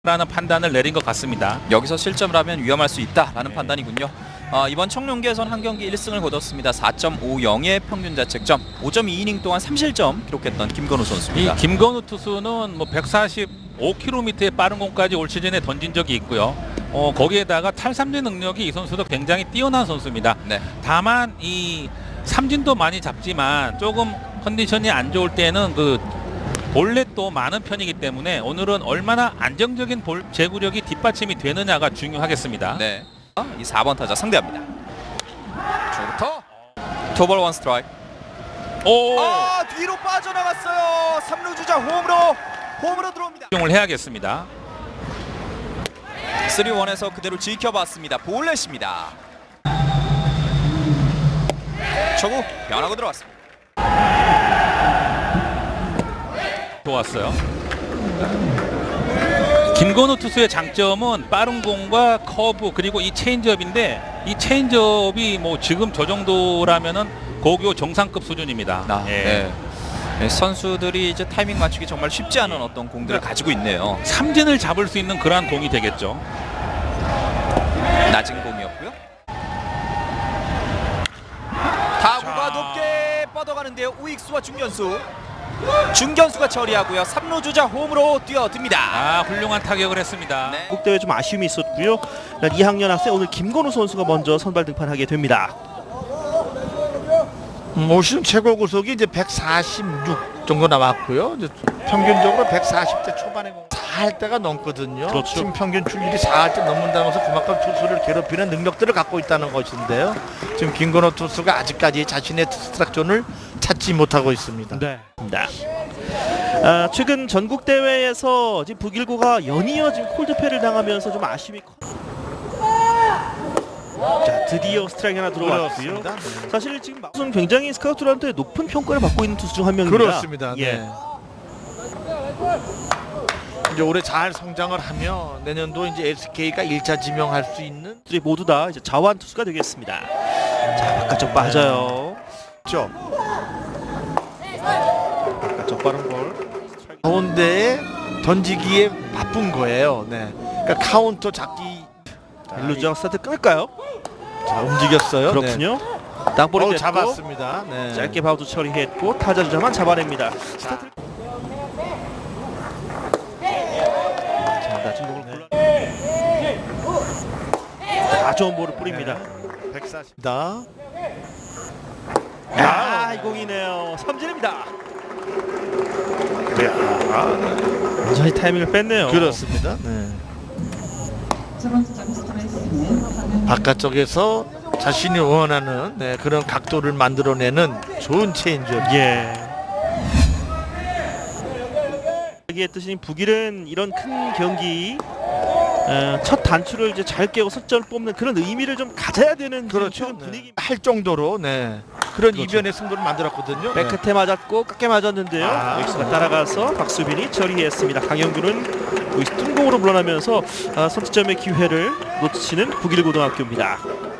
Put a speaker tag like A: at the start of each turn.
A: 라는 판단을 내린 것 같습니다.
B: 여기서 실점을 하면 위험할 수 있다라는 판단이군요. 이번 청룡기에선 한 경기 1승을 거뒀습니다. 4.50의 평균 자책점, 5.2이닝 동안 3실점 기록했던 김건우 선수입니다.
A: 이 김건우 투수는 뭐 145km의 빠른 공까지 올 시즌에 던진 적이 있고요. 거기에다가 탈삼진 능력이 이 선수도 굉장히 뛰어난 선수입니다.
B: 네.
A: 다만 이 삼진도 많이 잡지만 조금 컨디션이 안 좋을 때는 그 볼넷도 많은 편이기 때문에 오늘은 얼마나 안정적인 볼 제구력이 뒷받침이 되느냐가 중요하겠습니다.
B: 네. 이 4번 타자 상대합니다. 초부터 투볼 원 스트라이크.
A: 오!
B: 뒤로 빠져나갔어요. 3루 주자 홈으로 들어옵니다.
A: 활용을 해야겠습니다.
B: 3-1에서 그대로 지켜봤습니다. 볼넷입니다. 초구 변하고 들어왔습니다.
A: 좋았어요. 김건우 투수의 장점은 빠른 공과 커브 그리고 이 체인지업인데 이 체인지업이 뭐 지금 저 정도라면은 고교 정상급 수준입니다.
B: 네. 선수들이 이제 타이밍 맞추기 정말 쉽지 않은 어떤 공들을 가지고 있네요.
A: 삼진을 잡을 수 있는 그러한 공이 되겠죠.
B: 낮은 공이었고요. 타구가 높게 뻗어가는데요. 우익수와 중견수가 처리하고요. 3루 주자 홈으로 뛰어듭니다.
A: 훌륭한 타격을 했습니다.
B: 네.
C: 국대회 좀 아쉬움이 있었고요. 2학년 학생 오늘 김건우 선수가 먼저 선발 등판하게 됩니다.
D: 올 시즌 최고 구속이 이제 146 정도 나왔고요. 이제 평균적으로 140대 초반에 4할 때가 넘거든요.
C: 그렇죠.
D: 팀 평균 출률이 4할 때 넘는다는 것은 그만큼 투수를 괴롭히는 능력들을 갖고 있다는 것인데요. 지금 김건호 투수가 아직까지 자신의 스트라이크존을 찾지 못하고 있습니다.
C: 네. 최근 전국 대회에서 지금 북일고가 연이어 지금 콜드패를 당하면서 좀 아쉬움이 자, 드디어 스트라이크 하나 들어왔고요.
D: 그렇습니다.
C: 사실 지금 막sun 굉장히 스카우트들한테 높은 평가를 받고 있는 투수 중 한 명입니다.
D: 그렇습니다.
C: 예.
D: 네. 이제 올해 잘 성장을 하며 내년도 이제 SK가 1차 지명할 수 있는
C: 모두 다 이제 자완 투수가 되겠습니다. 자, 바깥쪽 빠져요.
D: 죠.
C: 바깥쪽 빠른 볼.
D: 가운데에 던지기에 바쁜 거예요. 네. 그러니까 카운터 잡기.
C: 일루전 스타트 끊을까요?
D: 자, 움직였어요.
C: 그렇군요. 땅볼이 됐고
D: 잡았습니다. 네.
C: 짧게 바우트 처리했고 타자 주자만 잡아냅니다. 스타트. 자, 낮은 공을 골라. 좋은 볼을 뿌립니다.
D: 140다.
C: 이 공이네요. 삼진입니다. 완전히 타이밍을 뺐네요.
D: 그렇습니다. 네. 바깥쪽에서 자신이 원하는 그런 각도를 만들어내는 좋은 체인지업.
C: 예. 얘기했듯이 북일은 이런 큰 경기 첫 단추를 이제 잘 깨고 석점을 뽑는 그런 의미를 좀 가져야 되는
D: 그렇죠.
C: 지금 분위기.
D: 할 정도로 그런
C: 그렇죠.
D: 이변의 승부를 만들었거든요.
C: 백 끝에 맞았고 깎게 맞았는데요. 엑스가 따라가서 박수빈이 처리했습니다. 강영규는 뜬공으로 물러나면서 선취점의 기회를 놓치는 북일고등학교입니다.